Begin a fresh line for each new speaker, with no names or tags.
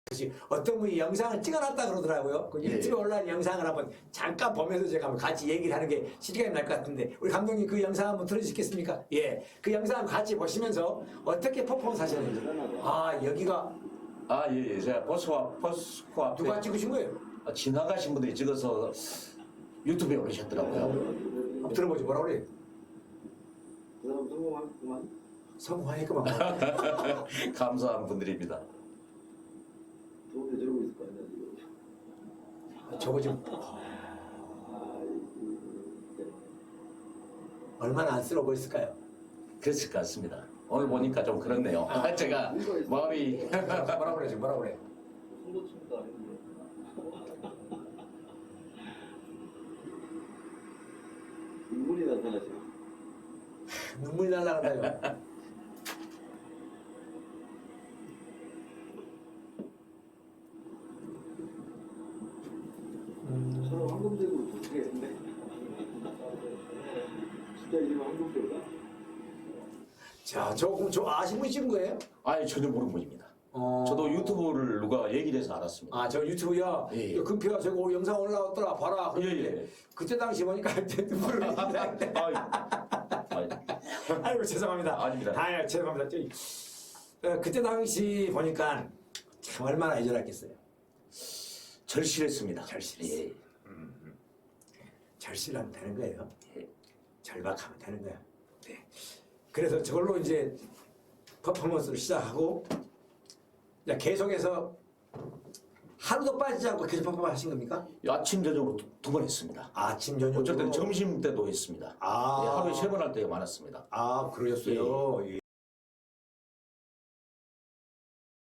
어떤 분이 영상을 찍어놨다 그러더라고요. 그 유튜브에 올라온 영상을 한번 잠깐 보면서 제가 한번 같이 얘기를 하는 게 실감이 날 것 같은데 우리 감독님 그 영상 한번 들어주시겠습니까? 예, 그 영상 같이 보시면서 어떻게 퍼포먼스 하셨는지. 아 여기가
예. 제가 버스코 앞에
누가 찍으신 거예요?
지나가신 분들이 찍어서 유튜브에 올리셨더라고요.
한번 들어보죠. 뭐라 그래요?
그 사람 성공하겠구만.
성공하니까만.
감사한 분들입니다.
좋은데 저러고 있을 거 아니야 지금.
저거 지금 얼마나 안쓰러워 보였을까요?
그랬을 것 같습니다. 오늘 보니까 좀 그렇네요. 제가 마음이
뭐라 그래 지금 뭐라 그래?
손도침도 아닌데. 눈물이 나타나죠.
눈물이 날라간다요.
서로 황금색으로 좋겠는데. 진짜 이름 황금색이다.
자, 저 아신 분이 찍은 거예요?
전혀 모르는 분입니다. 저도 유튜브를 누가 얘기를 해서 알았습니다.
아, 저 유튜브야.
예.
금표야, 저거 영상 올라왔더라. 봐라. 그랬는데
예.
그때 당시 보니까 눈물을 흘린다. 아이고 죄송합니다.
아닙니다.
죄송합니다. 그때 당시 보니까 참 얼마나 애절했겠어요.
절실했습니다.
절실했어요.
예.
절실하면 되는 거예요.
예.
절박하면 되는 거야. 네. 그래서 저걸로 이제 퍼포먼스를 시작하고 계속해서 하루도 빠지지 않고 계속 퍼포먼스 하신 겁니까?
아침 저녁으로 두 번 했습니다.
아침 저녁
어쩔 때는 점심 때도 했습니다.
아.
하루에 3번 할 때가 많았습니다.
그러셨어요. 예.